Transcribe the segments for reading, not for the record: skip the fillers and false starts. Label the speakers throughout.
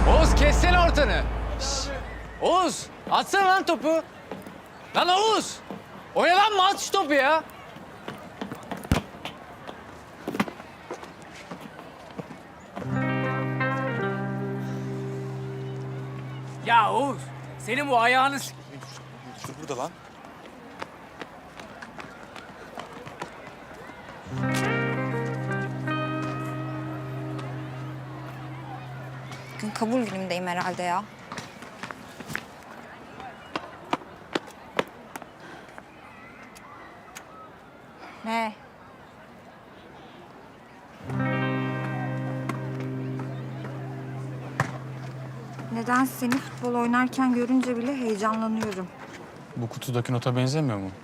Speaker 1: Oğuz kessene ortanı. Şişt. Oğuz atsana lan topu. Lan Oğuz. Oyalanma at şu topu ya.
Speaker 2: Ya Oğuz, senin bu ayağını...
Speaker 3: Dur burada lan.
Speaker 4: Bugün kabul günümdeyim herhalde ya. Ne? Neden seni futbol oynarken görünce bile heyecanlanıyorum.
Speaker 3: Bu kutudaki nota benzemiyor mu?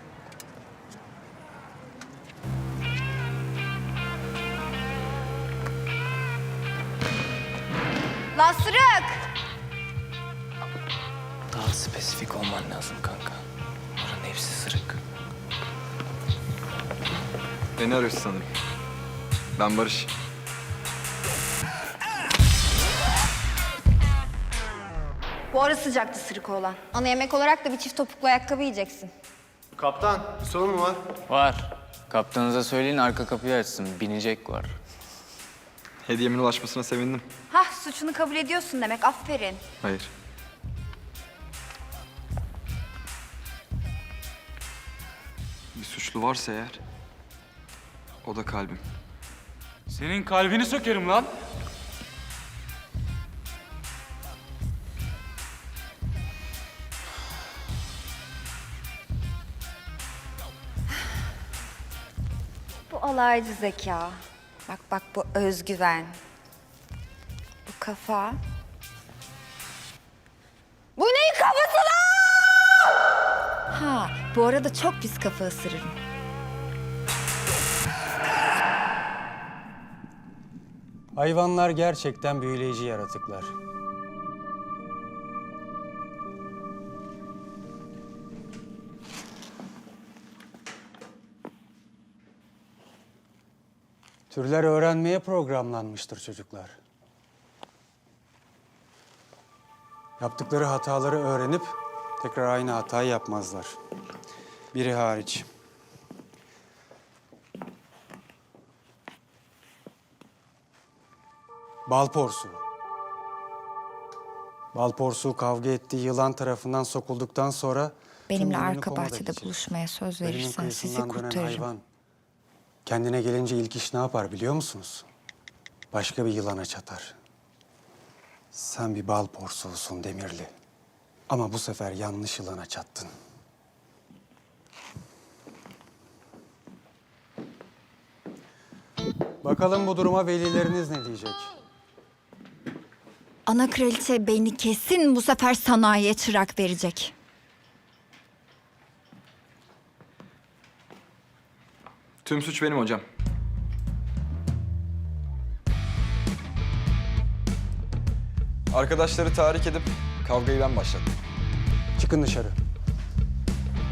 Speaker 4: Lasırık!
Speaker 1: Daha spesifik olman lazım kanka. Buranın hepsi sırık.
Speaker 5: Beni arıyorsun sanırım. Ben Barış.
Speaker 4: Bu ara sıcaktı sırık olan. Ana yemek olarak da bir çift topuklu ayakkabı yiyeceksin.
Speaker 6: Kaptan, bir sorun mu var?
Speaker 1: Var. Kaptanınıza söyleyin arka kapıyı açsın. Binecek var.
Speaker 5: Hediyemin ulaşmasına sevindim.
Speaker 4: Hah, suçunu kabul ediyorsun demek. Aferin.
Speaker 5: Hayır. Bir suçlu varsa eğer, o da kalbim.
Speaker 3: Senin kalbini sökerim lan.
Speaker 4: Bu alaycı zeka. Bak bak bu özgüven. Bu kafa. Bu neyin kafası lan? Ha, bu arada çok pis kafa ısırırım.
Speaker 7: Hayvanlar gerçekten büyüleyici yaratıklar. Türler öğrenmeye programlanmıştır çocuklar. Yaptıkları hataları öğrenip tekrar aynı hatayı yapmazlar. Biri hariç. Bal porsuğu. Bal porsuğu kavga ettiği yılan tarafından sokulduktan sonra...
Speaker 4: Benimle
Speaker 7: tüm
Speaker 4: arka
Speaker 7: boynunu
Speaker 4: bahçede
Speaker 7: komoda
Speaker 4: buluşmaya söz
Speaker 7: Ölümün
Speaker 4: verirsen sizi
Speaker 7: kıyısından dönen
Speaker 4: kurtarırım.
Speaker 7: hayvan. Kendine gelince ilk iş ne yapar biliyor musunuz? Başka bir yılana çatar. Sen bir bal porsuğusun Demirli. Ama bu sefer yanlış yılana çattın. Bakalım bu duruma velileriniz ne diyecek?
Speaker 4: Ana kraliçe beni kesin bu sefer sanayiye çırak verecek.
Speaker 5: Tüm suç benim hocam. Arkadaşları tahrik edip kavgayı ben başlattım.
Speaker 7: Çıkın dışarı.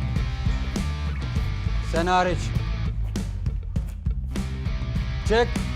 Speaker 7: Sen hariç. Çık.